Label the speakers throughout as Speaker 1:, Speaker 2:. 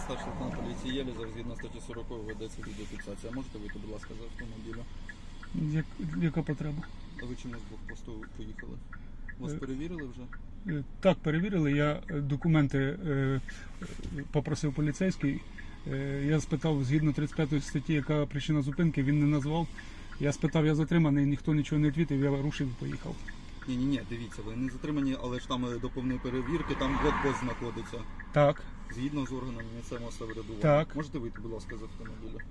Speaker 1: старший лейтенант поліції Єлізов, згідно статті 40 ведеться відеофіксація. Можете вийти, будь ласка, з автомобіля?
Speaker 2: Яка потреба?
Speaker 1: А ви чому з блокпосту поїхали? Вас перевірили вже?
Speaker 2: Так, перевірили. Я документи попросив поліцейський. Я спитав, згідно 35 статті, яка причина зупинки, він не назвав. Я спитав, я затриманий, ніхто нічого не відповів, я рушив і поїхав.
Speaker 1: Ні, дивіться, ви не затримані, але ж там до повної перевірки, там блокпост знаходиться.
Speaker 2: Так.
Speaker 1: Згідно з органами місцевого самоврядування.
Speaker 2: Так.
Speaker 1: Можете вийти, будь ласка, з автомобіля?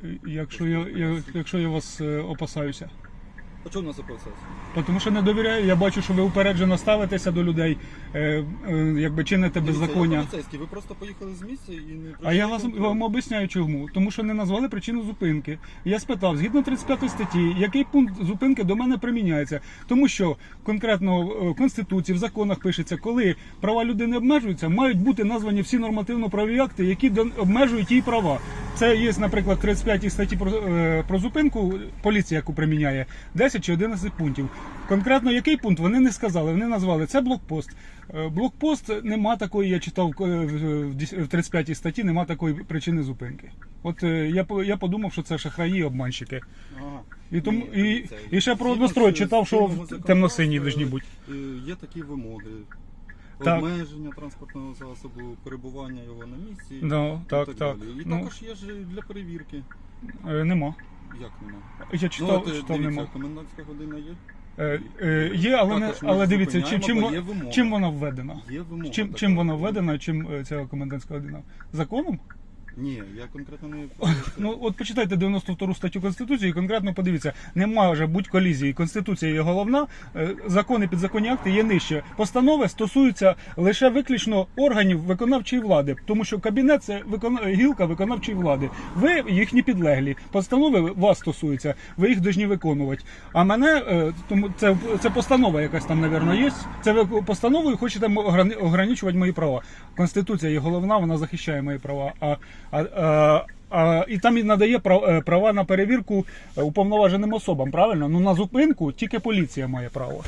Speaker 2: Якщо я вас опасаюся.
Speaker 1: А чого у нас процес?
Speaker 2: Тому що не довіряю, я бачу, що ви упереджено ставитеся до людей, якби чините беззаконня.
Speaker 1: Я поліцейський, ви просто поїхали з місця і не...
Speaker 2: А я вам об'ясняю чому. Тому що не назвали причину зупинки. Я спитав, згідно 35 статті, який пункт зупинки до мене приміняється. Тому що конкретно в Конституції, в законах пишеться, коли права людини обмежуються, мають бути названі всі нормативно-правові акти, які обмежують її права. Це є, наприклад, в 35 статті про зупинку, поліція, яку приміняє, 10 чи 11 пунктів. Конкретно який пункт, вони не сказали, вони назвали, це блокпост. Блокпост, нема такої, я читав в 35 статті, нема такої причини зупинки. От я подумав, що це шахраї, обманщики.
Speaker 1: Ага.
Speaker 2: І ще про однострой читав, що темно-сині повинні бути.
Speaker 1: Є такі вимоги.
Speaker 2: Так.
Speaker 1: Обмеження транспортного засобу, перебування його на місці
Speaker 2: Так.
Speaker 1: і так далі. І також є ж для перевірки.
Speaker 2: Нема.
Speaker 1: Як нема?
Speaker 2: Я читав,
Speaker 1: дивіться,
Speaker 2: нема.
Speaker 1: комендантська година є?
Speaker 2: Є, але дивіться,
Speaker 1: зупиняємо,
Speaker 2: чим вона введена?
Speaker 1: Є вимога.
Speaker 2: Чим вона введена, чим ця комендантська година? Законом?
Speaker 1: Ні, я конкретно не...
Speaker 2: Ну, от почитайте 92 статтю Конституції і конкретно подивіться, не може бути колізії. Конституція є головна, закони, підзаконні акти є нижче. Постанови стосуються лише виключно органів виконавчої влади, тому що кабінет – це гілка виконавчої влади. Ви їхні підлеглі. Постанови вас стосуються, ви їх повинні виконувати. А мене, тому це постанова якась там, мабуть, є. Це ви постановою хочете ограничувати мої права. Конституція є головна, вона захищає мої права. І там і надає права на перевірку уповноваженим особам, правильно? Ну на зупинку тільки поліція має право.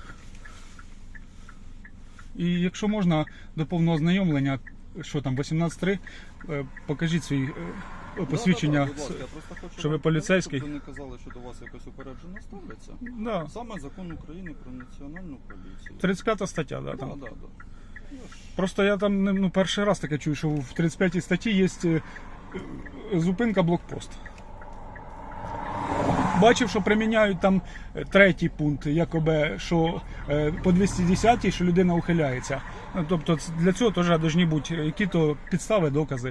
Speaker 2: І якщо можна, до повного ознайомлення, що там, 18.3, покажіть свій посвідчення,
Speaker 1: будь ласка, я просто хочу
Speaker 2: що ви
Speaker 1: вам
Speaker 2: поліцейський.
Speaker 1: сказати, щоб ви не казали, що до вас якось упереджено ставляться.
Speaker 2: Да.
Speaker 1: Саме закон України про національну поліцію.
Speaker 2: 35 стаття, да, там.
Speaker 1: Да.
Speaker 2: Просто я там перший раз таке чую, що в 35 статті є зупинка блокпост. Бачив, що приміняють там третій пункт, якоби, що по 210-й, що людина ухиляється. Ну, тобто для цього теж повинні бути які-то підстави, докази.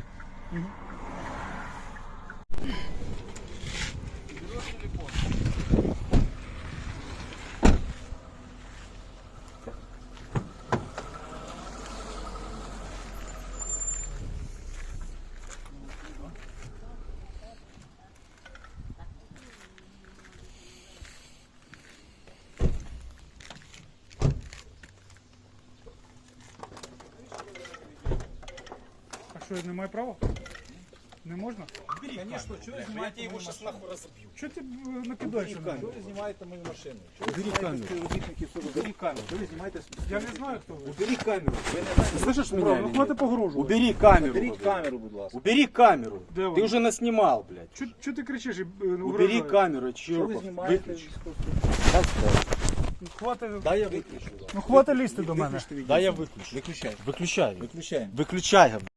Speaker 2: А що, я не маю права? Не можна?
Speaker 3: Конечно, что вы снимаете, я его сейчас нахуй разобью.
Speaker 2: Що ти накидаєш?
Speaker 3: Что вы снимаете мою машину?
Speaker 4: Убери камеру. Убери камеру. Что вы снимаете?
Speaker 2: Я не знаю, хто ви.
Speaker 4: Убери камеру. Слышишь меня? или нет?
Speaker 2: Хватить погрожувати.
Speaker 4: Убери камеру.
Speaker 3: Убери
Speaker 4: блядь.
Speaker 3: камеру, будь ласка.
Speaker 4: Убери камеру.
Speaker 2: Де
Speaker 4: Ты
Speaker 2: вона?
Speaker 4: уже наснимал, блядь.
Speaker 2: Чого ти кричиш і
Speaker 4: Убери
Speaker 2: угрожаєш?
Speaker 4: камеру,
Speaker 3: Что вы
Speaker 4: Чирков.
Speaker 3: снимаете?
Speaker 4: Выключи.
Speaker 2: Хватить,
Speaker 3: Да, я выключу.
Speaker 2: хватить лізти до мене.
Speaker 4: Да, я выключу.
Speaker 3: Выключай.
Speaker 4: Выключай.
Speaker 3: Выключаем.
Speaker 4: Выключай, говорю.